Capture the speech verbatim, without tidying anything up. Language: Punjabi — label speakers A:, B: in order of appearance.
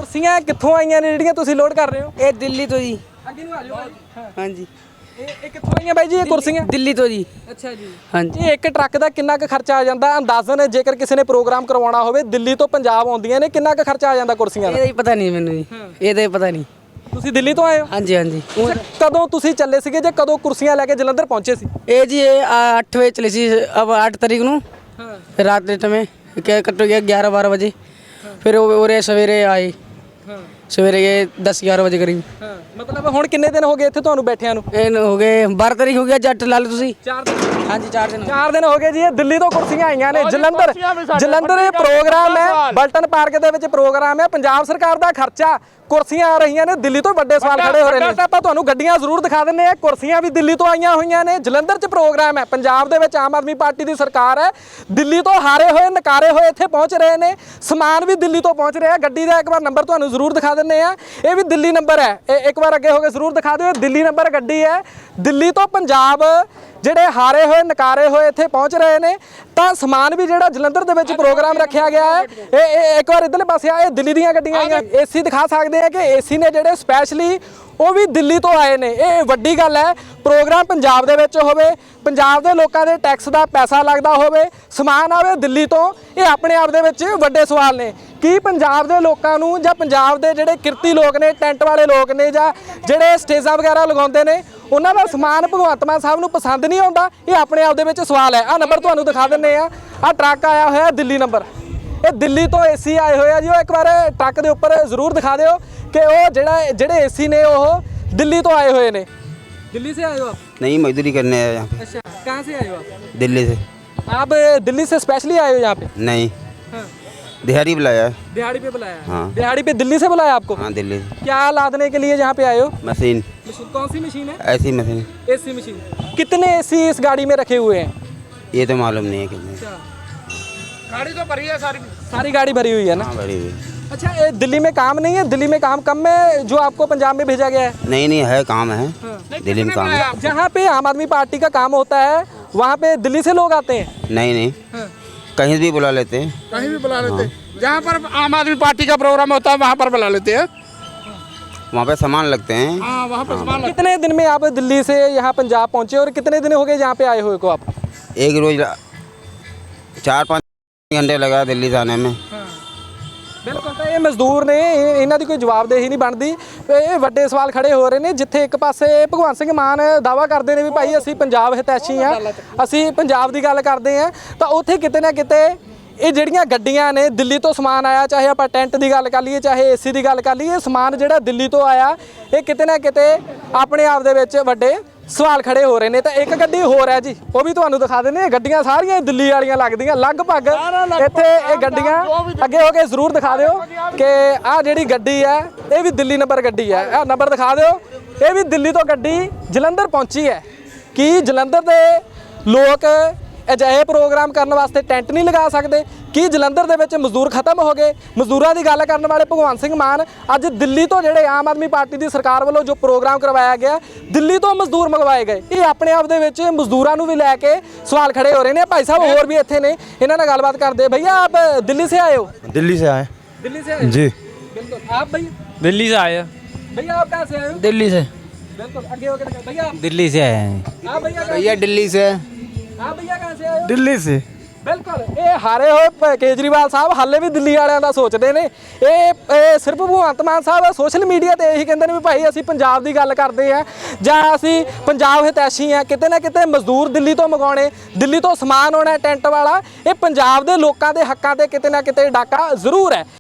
A: ਕੁਰਸੀਆਂ ਕਿੱਥੋਂ ਆਈਆਂ ਨੇ ਜਿਹੜੀਆਂ ਤੁਸੀਂ ਲੋਡ ਕਰ ਰਹੇ ਹੋ?
B: ਇਹ ਦਿੱਲੀ ਤੋਂ ਜੀ।
A: ਅੱਗੇ ਨੂੰ ਆ ਜਾਓ ਭਾਈ। ਹਾਂ
B: ਹਾਂਜੀ
A: ਇਹ ਇਹ ਕਿੱਥੋਂ ਆਈਆਂ ਬਾਈ ਜੀ ਇਹ ਕੁਰਸੀਆਂ?
B: ਦਿੱਲੀ ਤੋਂ ਜੀ।
A: ਅੱਛਾ ਜੀ।
B: ਹਾਂਜੀ
A: ਇਹ ਇੱਕ ਟਰੱਕ ਦਾ ਕਿੰਨਾ ਕੁ ਖਰਚਾ ਆ ਜਾਂਦਾ ਅੰਦਾਜ਼ਨ, ਜੇਕਰ ਕਿਸੇ ਨੇ ਪ੍ਰੋਗਰਾਮ ਕਰਵਾਉਣਾ ਹੋਵੇ ਦਿੱਲੀ ਤੋਂ ਪੰਜਾਬ ਆਉਂਦੀਆਂ ਨੇ, ਕਿੰਨਾ ਕੁ ਖਰਚਾ ਆ ਜਾਂਦਾ ਕੁਰਸੀਆਂ ਦਾ?
B: ਇਹਦਾ ਹੀ ਪਤਾ ਨਹੀਂ ਮੈਨੂੰ ਜੀ, ਇਹਦਾ ਹੀ ਪਤਾ ਨਹੀਂ।
A: ਤੁਸੀਂ ਦਿੱਲੀ ਤੋਂ ਆਏ ਹੋ?
B: ਹਾਂਜੀ ਹਾਂਜੀ।
A: ਅੱਛਾ, ਕਦੋਂ ਤੁਸੀਂ ਚੱਲੇ ਸੀਗੇ ਜਾਂ ਕਦੋਂ ਕੁਰਸੀਆਂ ਲੈ ਕੇ ਜਲੰਧਰ ਪਹੁੰਚੇ ਸੀ?
B: ਇਹ ਜੀ ਇਹ ਅੱਠ ਵਜੇ ਚਲੀ ਸੀ, ਅਬ ਅੱਠ ਤਾਰੀਖ ਨੂੰ
A: ਹਾਂ
B: ਰਾਤ ਦੇ ਟਮੇ क्या कटो गया ग्यारह बारह बजे, फिर और सवेरे आए
A: ਹਾਂ
B: सवेरे ये दस ग्यारह बजे करीब।
A: ਹਾਂ ਮਤਲਬ ਹੁਣ ਕਿੰਨੇ ਦਿਨ ਹੋ ਗਏ ਇੱਥੇ ਤੁਹਾਨੂੰ ਬੈਠਿਆਂ ਨੂੰ?
B: ਇਹ ਹੋ ਗਏ ਬਾਰ੍ਹਾਂ ਤਾਰੀਖ ਹੋ ਗਿਆ ਜੱਟ ਲਾ ਲਓ ਤੁਸੀਂ।
A: ਚਾਰ ਦਿਨ।
B: ਹਾਂਜੀ ਚਾਰ ਦਿਨ।
A: ਚਾਰ ਦਿਨ ਹੋ ਗਏ ਜੀ। ਇਹ ਦਿੱਲੀ ਤੋਂ ਕੁਰਸੀਆਂ ਆਈਆਂ ਨੇ ਜਲੰਧਰ। ਜਲੰਧਰ ਇਹ ਪ੍ਰੋਗਰਾਮ ਹੈ, ਬਲਟਨ ਪਾਰਕ ਦੇ ਵਿੱਚ ਪ੍ਰੋਗਰਾਮ ਹੈ। ਪੰਜਾਬ ਸਰਕਾਰ ਦਾ ਖਰਚਾ, ਕੁਰਸੀਆਂ ਆ ਰਹੀਆਂ ਨੇ ਦਿੱਲੀ ਤੋਂ। ਵੱਡੇ ਸਵਾਲ ਖੜੇ ਹੋ ਰਹੇ ਨੇ। ਆਪਾਂ ਤੁਹਾਨੂੰ ਗੱਡੀਆਂ ਜ਼ਰੂਰ ਦਿਖਾ ਦਿੰਦੇ ਆ। ਕੁਰਸੀਆਂ ਵੀ ਦਿੱਲੀ ਤੋਂ ਆਈਆਂ ਹੋਈਆਂ ਨੇ। ਜਲੰਧਰ 'ਚ ਪ੍ਰੋਗਰਾਮ ਹੈ। ਪੰਜਾਬ ਦੇ ਵਿੱਚ ਆਮ ਆਦਮੀ ਪਾਰਟੀ ਦੀ ਸਰਕਾਰ ਹੈ। ਦਿੱਲੀ ਤੋਂ ਹਾਰੇ ਹੋਏ ਨਕਾਰੇ ਹੋਏ ਇੱਥੇ ਪਹੁੰਚ ਰਹੇ ਨੇ। ਸਮਾਨ ਵੀ ਦਿੱਲੀ ਤੋਂ ਪਹੁੰਚ ਰਿਹਾ। ਗੱਡੀ ਦਾ ਇੱਕ ਵਾਰ ਨੰਬਰ ਤੁਹਾਨੂੰ ਜ਼ਰੂਰ ਦਿਖਾ ਦਿੰਦੇ ਆ। ਇਹ ਵੀ ਦਿੱਲੀ ਨੰਬਰ ਹੈ। ਇਹ ਇੱਕ ਵਾਰ ਅੱਗੇ ਹੋ ਕੇ ਜ਼ਰੂਰ ਦਿਖਾ ਦਿਓ। ਦਿੱਲੀ ਨੰਬਰ ਗੱਡੀ ਹੈ। ਦਿੱਲੀ ਤੋਂ ਪੰਜਾਬ ਜਿਹੜੇ ਹਾਰੇ ਹੋਏ ਨਕਾਰੇ ਹੋਏ ਇੱਥੇ ਪਹੁੰਚ ਰਹੇ ਨੇ। ਤਾਂ ਸਮਾਨ ਵੀ ਜਿਹੜਾ ਜਲੰਧਰ ਦੇ ਵਿੱਚ ਪ੍ਰੋਗਰਾਮ ਰੱਖਿਆ ਗਿਆ ਹੈ। ਇਹ ਇਹ ਇੱਕ ਵਾਰ ਇੱਧਰਲੇ ਪਾਸੇ ਆ, ਇਹ ਦਿੱਲੀ ਦੀਆਂ ਗੱਡੀਆਂ ਆਈਆਂ। ਏਸੀ ਦਿਖਾ ਸਕਦੇ ਆ ਕਿ ਏਸੀ ਨੇ ਜਿਹੜੇ ਸਪੈਸ਼ਲੀ ਉਹ ਵੀ ਦਿੱਲੀ ਤੋਂ ਆਏ ਨੇ। ਇਹ ਵੱਡੀ ਗੱਲ ਹੈ। ਪ੍ਰੋਗਰਾਮ ਪੰਜਾਬ ਦੇ ਵਿੱਚ ਹੋਵੇ, ਪੰਜਾਬ ਦੇ ਲੋਕਾਂ ਦੇ ਟੈਕਸ ਦਾ ਪੈਸਾ ਲੱਗਦਾ ਹੋਵੇ, ਸਮਾਨ ਆਵੇ ਦਿੱਲੀ ਤੋਂ, ਇਹ ਆਪਣੇ ਆਪ ਦੇ ਵਿੱਚ ਵੱਡੇ ਸਵਾਲ ਨੇ। ਕੀ ਪੰਜਾਬ ਦੇ ਲੋਕਾਂ ਨੂੰ ਜਾਂ ਪੰਜਾਬ ਦੇ ਜਿਹੜੇ ਕਿਰਤੀ ਲੋਕ ਨੇ, ਟੈਂਟ ਵਾਲੇ ਲੋਕ ਨੇ, ਜਾਂ ਜਿਹੜੇ ਸਟੇਜਾਂ ਵਗੈਰਾ ਲਗਾਉਂਦੇ ਨੇ, ਉਹਨਾਂ ਦਾ ਸਮਾਨ ਭਗਵੰਤ ਮਾਨ ਸਾਹਿਬ ਨੂੰ ਪਸੰਦ ਨਹੀਂ ਆਉਂਦਾ? ਇਹ ਆਪਣੇ ਆਪ ਦੇ ਵਿੱਚ ਸਵਾਲ ਹੈ। ਆਹ ਨੰਬਰ ਤੁਹਾਨੂੰ ਦਿਖਾ ਦਿੰਦੇ ਆ। ਆਹ ਟਰੱਕ ਆਇਆ ਹੋਇਆ ਦਿੱਲੀ ਨੰਬਰ। ਇਹ ਦਿੱਲੀ ਤੋਂ ਏਸੀ ਆਏ ਹੋਏ ਆ ਜੀ। ਉਹ ਇੱਕ ਵਾਰ ਟਰੱਕ ਦੇ ਉੱਪਰ ਜ਼ਰੂਰ ਦਿਖਾ ਦਿਓ ਕਿ ਉਹ ਜਿਹੜਾ ਜਿਹੜੇ ਏਸੀ ਨੇ ਉਹ ਦਿੱਲੀ ਤੋਂ आए हुए ने। दिल्ली से आए हो आप?
C: नहीं, मजदूरी करने आए यहाँ।
A: अच्छा, कहाँ से आए हो आप?
C: दिल्ली से।
A: आप दिल्ली से स्पेशली आए हो यहाँ पे?
C: नहीं,
A: हाँ।
C: दिहाड़ी बुलाया है।
A: दिहाड़ी पे बुलाया?
C: हाँ।
A: दिहाड़ी पे दिल्ली से बुलाया आपको?
C: हाँ, दिल्ली से।
A: क्या लादने के लिए यहाँ पे आए हो?
C: मशीन।
A: मशीन कौन सी मशीन है?
C: AC machine.
A: AC machine. कितने एसी इस गाड़ी में रखे हुए हैं?
C: ये तो मालूम नहीं है कितने।
A: अच्छा, गाड़ी तो भरी है सारी। सारी गाड़ी भरी हुई है ना?
C: हाँ, भरी हुई।
A: अच्छा, ये दिल्ली में काम नहीं है? दिल्ली में काम कम है जो आपको पंजाब में भेजा गया है?
C: नहीं नहीं है, काम है।
A: हाँ।
C: दिल्ली में काम है।
A: जहाँ पे आम आदमी पार्टी का काम होता है वहाँ पे दिल्ली से लोग आते हैं?
C: नहीं नहीं,
A: हाँ।
C: कहीं भी बुला लेते हैं।
D: कहीं भी बुला लेते हैं। जहाँ पर आम आदमी पार्टी का प्रोग्राम होता है वहाँ पर बुला लेते हैं।
C: वहाँ पे सामान लगते हैं।
D: हाँ, वहाँ पर सामान
A: कितने दिन में आप दिल्ली से यहाँ पंजाब पहुँचे और कितने दिन हो गए यहाँ पे आए हुए को आप?
C: एक रोज चार पाँच घंटे लगा दिल्ली से आने में।
A: ਬਿਲਕੁਲ। ਤਾਂ ਇਹ ਮਜ਼ਦੂਰ ਨੇ, ਇਹ- ਇਹਨਾਂ ਦੀ ਕੋਈ ਜਵਾਬਦੇਹੀ ਨਹੀਂ ਬਣਦੀ। ਇਹ ਵੱਡੇ ਸਵਾਲ ਖੜੇ ਹੋ ਰਹੇ ਨੇ। ਜਿੱਥੇ ਇੱਕ ਪਾਸੇ ਭਗਵੰਤ ਸਿੰਘ ਮਾਨ ਦਾਅਵਾ ਕਰਦੇ ਨੇ ਵੀ ਭਾਈ ਅਸੀਂ ਪੰਜਾਬ ਹਿਤੈਸ਼ੀ ਆ, ਅਸੀਂ ਪੰਜਾਬ ਦੀ ਗੱਲ ਕਰਦੇ ਆ, ਤਾਂ ਉੱਥੇ ਕਿਤੇ ਨਾ ਕਿਤੇ ਇਹ ਜਿਹੜੀਆਂ ਗੱਡੀਆਂ ਨੇ ਦਿੱਲੀ ਤੋਂ ਸਮਾਨ ਆਇਆ, ਚਾਹੇ ਆਪਾਂ ਟੈਂਟ ਦੀ ਗੱਲ ਕਰ ਲਈਏ, ਚਾਹੇ ਏਸੀ ਦੀ ਗੱਲ ਕਰ ਲਈਏ, ਸਮਾਨ ਜਿਹੜਾ ਦਿੱਲੀ ਤੋਂ ਆਇਆ, ਇਹ ਕਿਤੇ ਨਾ ਕਿਤੇ ਆਪਣੇ ਆਪ ਦੇ ਵਿੱਚ ਵੱਡੇ ਸਵਾਲ ਖੜੇ ਹੋ ਰਹੇ ਨੇ। ਤਾਂ ਇੱਕ ਗੱਡੀ ਹੋਰ ਹੈ ਜੀ, ਉਹ ਵੀ ਤੁਹਾਨੂੰ ਦਿਖਾ ਦਿੰਦੇ ਆ। ਗੱਡੀਆਂ ਸਾਰੀਆਂ ਦਿੱਲੀ ਵਾਲੀਆਂ ਲੱਗਦੀਆਂ ਲਗਭਗ। ਇੱਥੇ ਇਹ ਗੱਡੀਆਂ ਅੱਗੇ ਹੋ ਕੇ ਜ਼ਰੂਰ ਦਿਖਾ ਦਿਓ ਕਿ ਆਹ ਜਿਹੜੀ ਗੱਡੀ ਹੈ ਇਹ ਵੀ ਦਿੱਲੀ ਨੰਬਰ ਗੱਡੀ ਹੈ। ਆਹ ਨੰਬਰ ਦਿਖਾ ਦਿਓ। ਇਹ ਵੀ ਦਿੱਲੀ ਤੋਂ ਗੱਡੀ ਜਲੰਧਰ ਪਹੁੰਚੀ ਹੈ। ਕੀ ਜਲੰਧਰ ਦੇ ਲੋਕ ਅਜਿਹੇ ਪ੍ਰੋਗਰਾਮ ਕਰਨ ਵਾਸਤੇ ਟੈਂਟ ਨਹੀਂ ਲਗਾ ਸਕਦੇ? ਕੀ ਜਲੰਧਰ ਦੇ ਵਿੱਚ ਮਜ਼ਦੂਰ ਖਤਮ ਹੋ ਗਏ? ਮਜ਼ਦੂਰਾਂ ਦੀ ਗੱਲ ਕਰਨ ਵਾਲੇ ਭਗਵੰਤ ਸਿੰਘ ਮਾਨ ਅੱਜ ਦਿੱਲੀ ਤੋਂ ਜਿਹੜੇ ਆਮ ਆਦਮੀ ਪਾਰਟੀ ਦੀ ਸਰਕਾਰ ਵੱਲੋਂ ਜੋ ਪ੍ਰੋਗਰਾਮ ਕਰਵਾਇਆ ਗਿਆ, ਦਿੱਲੀ ਤੋਂ ਮਜ਼ਦੂਰ ਮੰਗਵਾਏ ਗਏ। ਇਹ ਆਪਣੇ ਆਪ ਦੇ ਵਿੱਚ ਮਜ਼ਦੂਰਾਂ ਨੂੰ ਵੀ ਲੈ ਕੇ ਸਵਾਲ ਖੜੇ ਹੋ ਰਹੇ ਨੇ। ਭਾਈ ਸਾਹਿਬ ਹੋਰ ਵੀ ਇੱਥੇ ਨੇ, ਇਹਨਾਂ ਨਾਲ ਗੱਲਬਾਤ ਕਰਦੇ। भैया आप दिल्ली से आए हो?
E: दिल्ली से आए।
A: दिल्ली से आए
E: जी।
A: बिल्कुल। आप भैया?
E: दिल्ली से आए।
A: भैया आप कहाँ से आए हो?
B: दिल्ली से।
A: बिल्कुल। आगे होकर दिखाओ। भैया आप?
E: दिल्ली से आए हैं।
A: हाँ भैया।
C: भैया दिल्ली से।
A: हाँ भैया कहाँ से आए हो?
E: दिल्ली से।
A: ਬਿਲਕੁਲ। ਇਹ ਹਾਰੇ ਹੋਏ ਪ- ਕੇਜਰੀਵਾਲ ਸਾਹਿਬ ਹਾਲੇ ਵੀ ਦਿੱਲੀ ਵਾਲਿਆਂ ਦਾ ਸੋਚਦੇ ਨੇ। ਇਹ ਇਹ ਸਿਰਫ ਭਗਵੰਤ ਮਾਨ ਸਾਹਿਬ ਸੋਸ਼ਲ ਮੀਡੀਆ ਤੇ ਇਹੀ ਕਹਿੰਦੇ ਨੇ ਵੀ ਭਾਈ ਅਸੀਂ ਪੰਜਾਬ ਦੀ ਗੱਲ ਕਰਦੇ ਆ ਜਾਂ ਅਸੀਂ ਪੰਜਾਬ ਹਿਤੈਸ਼ੀ ਆ। ਕਿਤੇ ਨਾ ਕਿਤੇ ਮਜ਼ਦੂਰ ਦਿੱਲੀ ਤੋਂ ਮੰਗਾਉਣੇ, ਦਿੱਲੀ ਤੋਂ ਸਮਾਨ ਆਉਣਾ ਟੈਂਟ ਵਾਲਾ, ਇਹ ਪੰਜਾਬ ਦੇ ਲੋਕਾਂ ਦੇ ਹੱਕਾਂ ਤੇ ਕਿਤੇ ਨਾ ਕਿਤੇ ਡਾਕਾ ਜ਼ਰੂਰ ਹੈ।